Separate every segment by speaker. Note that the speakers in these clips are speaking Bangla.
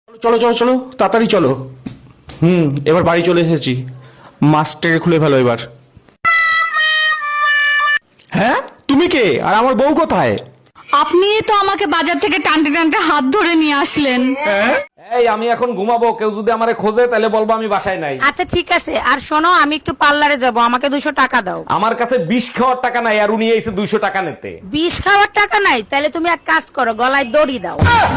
Speaker 1: চলো চলো চলো তাড়াতাড়ি চলো। এবার বাড়ি চলে এসেছি। মাস্কটাকে খুলে ফেলো এবার। হ্যাঁ, তুমি কে আর আমার বউ কোথায়?
Speaker 2: আপনি তো আমাকে বাজার থেকে টানতে টানতে হাত ধরে নিয়ে আসলেন।
Speaker 3: এই আমি এখন ঘুমাবো, কেউ যদি আমারে খোঁজে তাহলে বলবো আমি বাসায় নাই।
Speaker 4: আচ্ছা ঠিক আছে, আর শোনো আমি একটু পার্লারে যাব, আমাকে 200 টাকা দাও।
Speaker 3: আমার কাছে বিষ খাওয়ার টাকা নাই, আর উনি এসে 200 টাকা নিতে।
Speaker 4: বিষ খাওয়ার টাকা নাই? তাহলে তুমি এক কাজ করো, গলায় দড়ি দাও।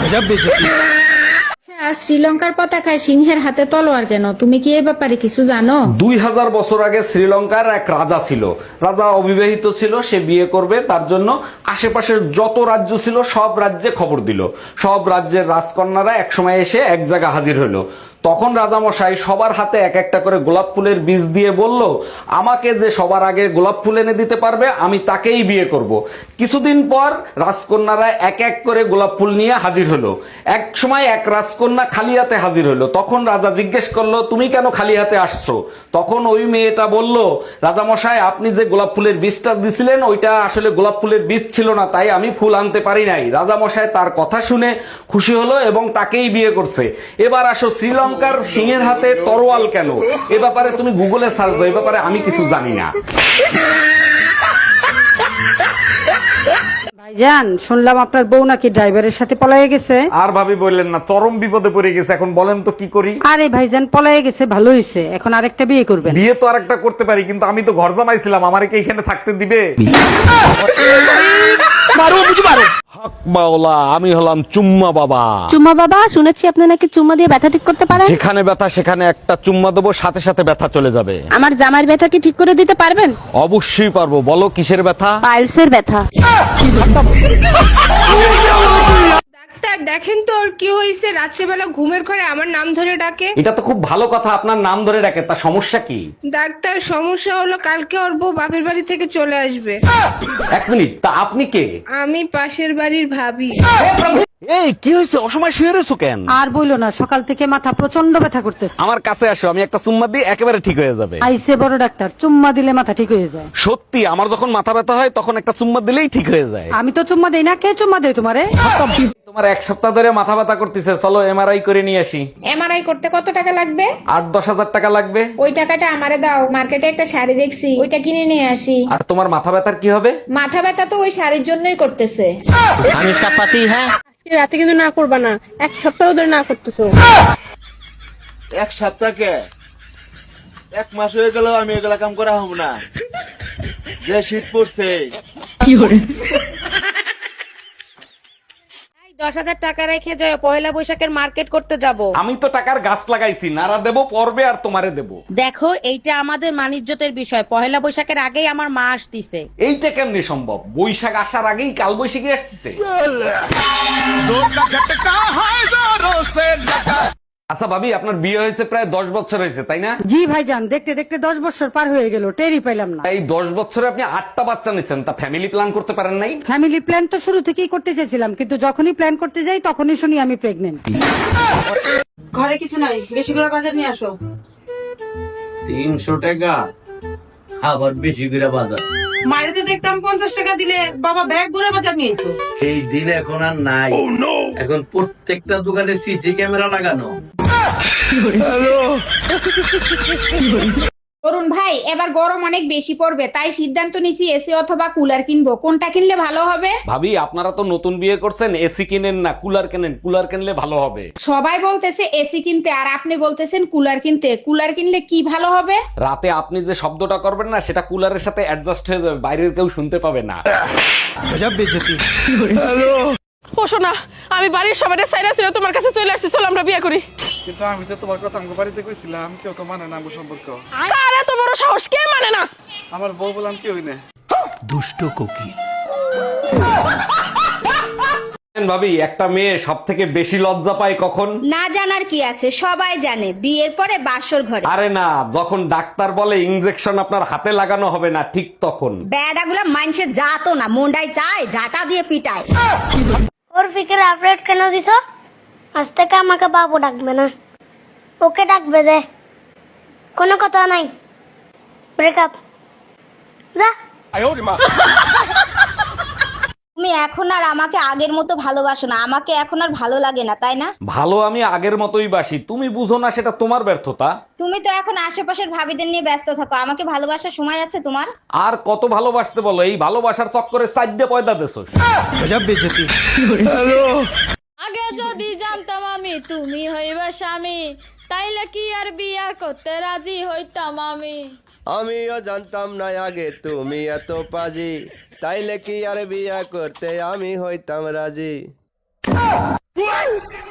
Speaker 5: শ্রীলঙ্কার পতাকায় সিংহের হাতে তলোয়ার কেন? তুমি কি এই ব্যাপারে কিছু জানো?
Speaker 3: 2000 বছর আগে শ্রীলঙ্কার এক রাজা ছিল। রাজা অবিবাহিত ছিল, সে বিয়ে করবে, তার জন্য আশেপাশের যত রাজ্য ছিল সব রাজ্যে খবর দিল। সব রাজ্যের রাজকন্যারা একসময় এসে এক জায়গায় হাজির হলো। তখন রাজামশাই সবার হাতে এক একটা করে গোলাপ ফুলের বীজ দিয়ে বলল, আমাকে যে সবার আগে গোলাপ ফুল এনে দিতে পারবে আমি তাকেই বিয়ে করব। কিছুদিন পর রাজকন্যারা এক এক করে গোলাপ ফুল নিয়ে হাজির হলো। এক সময় এক রাজকন্যা খালি হাতে হাজির হলো। তখন রাজা জিজ্ঞেস করলো, তুমি কেন খালি হাতে আসছো? তখন ওই মেয়েটা বলল, রাজামশাই আপনি যে গোলাপ ফুলের বীজটা দিছিলেন ওইটা আসলে গোলাপ ফুলের বীজ ছিল না, তাই আমি ফুল আনতে পারি নাই। রাজামশাই তার কথা শুনে খুশি হলো এবং তাকেই বিয়ে করছে। এবার আসো, শ্রীলঙ্কার সিংহের হাতে তরোয়াল কেন? এ ব্যাপারে তুমি গুগলে সার্চ দাও, এ ব্যাপারে আমি কিছু জানি না।
Speaker 4: ভাইজান, শুনলাম আপনার বউ নাকি ড্রাইভারের সাথে পলায়ে গেছে।
Speaker 3: আর ভাবি বললেন না, চরম বিপদে পড়ে গেছে। এখন বলেন তো কি করি?
Speaker 4: আরে ভাইজান, পলায়ে গেছে ভালো হয়েছে, এখন আরেকটা বিয়ে করবেন।
Speaker 3: বিয়ে তো আরেকটা করতে পারি, কিন্তু আমি তো ঘর জামাইছিলাম, আমারে কি এখানে থাকতে দিবে? হক মাওলা, আমি হলাম চুম্মা বাবা।
Speaker 6: চুম্মা বাবা, শুনেছি আপনি নাকি চুম্মা দিয়ে ব্যথা ঠিক করতে পারেন।
Speaker 3: যেখানে ব্যথা সেখানে একটা চুম্মা দেবো, সাথে সাথে ব্যথা চলে যাবে।
Speaker 6: আমার জামার ব্যথা কি ঠিক করে দিতে পারবেন?
Speaker 3: অবশ্যই পারবো। বলো কিসের ব্যথা?
Speaker 6: পাইলসের ব্যথা।
Speaker 7: ডাক্তার দেখেন তো ওর কি হয়েছে, রাত্রেবেলা ঘুমের ঘরে আমার নাম ধরে ডাকে।
Speaker 3: এটা তো খুব ভালো কথা, আপনার নাম ধরে ডাকে, তা সমস্যা কি?
Speaker 7: ডাক্তার সমস্যা হলো কালকে ওর বউ বাপের বাড়ি থেকে চলে আসবে।
Speaker 3: এক মিনিট, তা আপনি কে?
Speaker 7: আমি পাশের বাড়ির ভাবি।
Speaker 3: এই কি হয়েছে, অসময় শুয়ে রয়েছো কেন?
Speaker 4: আর বইলো না, সকাল থেকে মাথা প্রচন্ড ব্যথা করতেছে।
Speaker 3: আমার কাছে আসো, আমি একটা চুম্মা দিই, একেবারে ঠিক হয়ে যাবে।
Speaker 4: আইসে বড় ডাক্তার, চুম্মা দিলে মাথা ঠিক হয়ে যায়।
Speaker 3: সত্যি, আমার যখন মাথা ব্যথা হয় তখন একটা চুম্মা দিলেই ঠিক হয়ে যায়।
Speaker 4: আমি তো চুম্মা দেই না, কে চুম্মা দেয় তোমারে?
Speaker 3: তোমার 1 সপ্তাহ ধরে মাথা ব্যথা করতেছে, চলো এমআরআই করে নিয়ে আসি।
Speaker 7: এমআরআই করতে কত টাকা লাগবে?
Speaker 3: 8-10 হাজার টাকা লাগবে।
Speaker 7: ওই টাকাটা আমারে দাও, মার্কেটে একটা শাড়ি দেখছি, ওইটা কিনে নিয়ে আসি।
Speaker 3: আর তোমার মাথা ব্যথার কি হবে?
Speaker 7: মাথা ব্যথা তো ওই শাড়ির জন্যই করতেছে।
Speaker 1: আমি इसका पति है।
Speaker 6: রাতে কিন্তু না করবা না, 1 সপ্তাহ ধরে না করতেছো।
Speaker 8: 1 সপ্তাহ কে? 1 মাস হয়ে গেল আমি এগুলা কাম করা হব না, যে শীত পড়ছে।
Speaker 4: 10,000 টাকা রেখে যাও, পয়লা বৈশাখের মার্কেট করতে যাব।
Speaker 3: আমি তো টাকার গাছ লাগাইছি, নারা দেবো পর্বে আর তোমারে দেবো।
Speaker 4: দেখো, এইটা আমাদের মানিজ্যতের বিষয়, পয়লা বৈশাখের আগেই আমার মা আসতিছে।
Speaker 3: এইটা কেমনে সম্ভব? বৈশাখ আসার আগেই কাল বৈশাখী আসতেছে। আচ্ছা ভাবি, আপনার বিয়ে হয়েছে প্রায় 10 বছর হয়েছে, তাই না?
Speaker 4: জি ভাইজান, দেখতে দেখতে 10 বছর পার হয়ে গেল, টেরই পাইলাম না।
Speaker 3: এই 10 বছরে আপনি 8টা বাচ্চা নিচ্ছেন, তা ফ্যামিলি প্ল্যান করতে পারেন নাই?
Speaker 4: ফ্যামিলি প্ল্যান তো শুরু থেকেই করতে চেয়েছিলাম, কিন্তু যখনই প্ল্যান করতে যাই তখনই শুনি আমি প্রেগনেন্ট।
Speaker 9: ঘরে কিছু নাই, বেশি করে বাজার নিয়ে আসো।
Speaker 8: 300 টাকা আবার বেশি করে বাজার।
Speaker 9: মাইরেতে দেখতাম 50 টাকা দিলে বাবা ব্যাগ ভরে বাজার নিয়ে যেত।
Speaker 8: এই দিন এখন আর নাই। এখন প্রত্যেকটা দোকানে সিসি ক্যামেরা লাগানো।
Speaker 7: অরুণ ভাই, এবার গরম অনেক বেশি পড়বে, তাই সিদ্ধান্ত নিছি এসি অথবা কুলার কিনবো। কোনটা কিনলে ভালো হবে?
Speaker 3: ভাবি, আপনারা তো নতুন বিয়ে করছেন, এসি কিনেন না, কুলার কেনেন। কুলার কিনলে ভালো হবে।
Speaker 7: সবাই বলতেছে এসি কিনতে, আর আপনি বলতেছেন কুলার কিনতে। কুলার কিনলে কি ভালো হবে?
Speaker 3: রাতে আপনি যে শব্দটা করবেন না, সেটা কুলারের সাথে অ্যাডজাস্ট হয়ে যাবে, বাইরের কেউ শুনতে পাবে না।
Speaker 6: ও শোনা, আমি বাড়ির সবাই সাইরা ছিল তোমার কাছে চলে আসছি, চল আমরা বিয়ে করি।
Speaker 10: কিন্তু আমি তো তোমার কথা আমার বাড়িতে কইছিলাম, কেউ তো মানে না আমার সম্পর্ক।
Speaker 6: আরে এত বড় সাহস, কে মানে না?
Speaker 10: আমার বউ বললাম কেউই না।
Speaker 1: দুষ্ট কোকিল।
Speaker 3: ভাবি, একটা মেয়ে সব থেকে বেশি লজ্জা পায় কখন?
Speaker 2: না জানার কি আছে, সবাই জানে, বিয়ের পরে বাসর ঘরে।
Speaker 3: আরে না, যখন ডাক্তার বলে ইনজেকশন আপনার হাতে লাগানো হবে না, ঠিক তখন।
Speaker 2: বেড়াগুলা মানুষের জাতো না, মুন্ডাই চায় ঝাঁটা দিয়ে পিটায়।
Speaker 6: ওর ফিকের আপডেট কেন দিছো? আজ থেকে আমাকে বাবু ডাকবে না, ওকে ডাকবে। দে, কোনো কথা নাই, ব্রেকআপ। যা।
Speaker 11: তুমি এখন আর আমাকে আগের মতো ভালোবাসো না, আমাকে এখন আর ভালো লাগে না, তাই না?
Speaker 3: ভালো আমি আগের মতোই বাসি, তুমি বুঝো না, সেটা তোমার ব্যর্থতা।
Speaker 11: তুমি তো এখন আশেপাশের ভাবিদের নিয়ে ব্যস্ত থাকো, আমাকে ভালোবাসার সময় আছে তোমার?
Speaker 3: আর কত ভালোবাসতে বলো, এই ভালোবাসার চক্করে সাইডে পয়দা দেছো।
Speaker 2: আগে যদি জানতাম আমি তুমি হইবে স্বামী, তাইলে কি আর বিয়া করতে রাজি হইতাম আমি।
Speaker 8: আমিও জানতাম না আগে তুমি এত পাজি, তাইলে কি আর বিয়া করতে আমি হইতাম রাজি।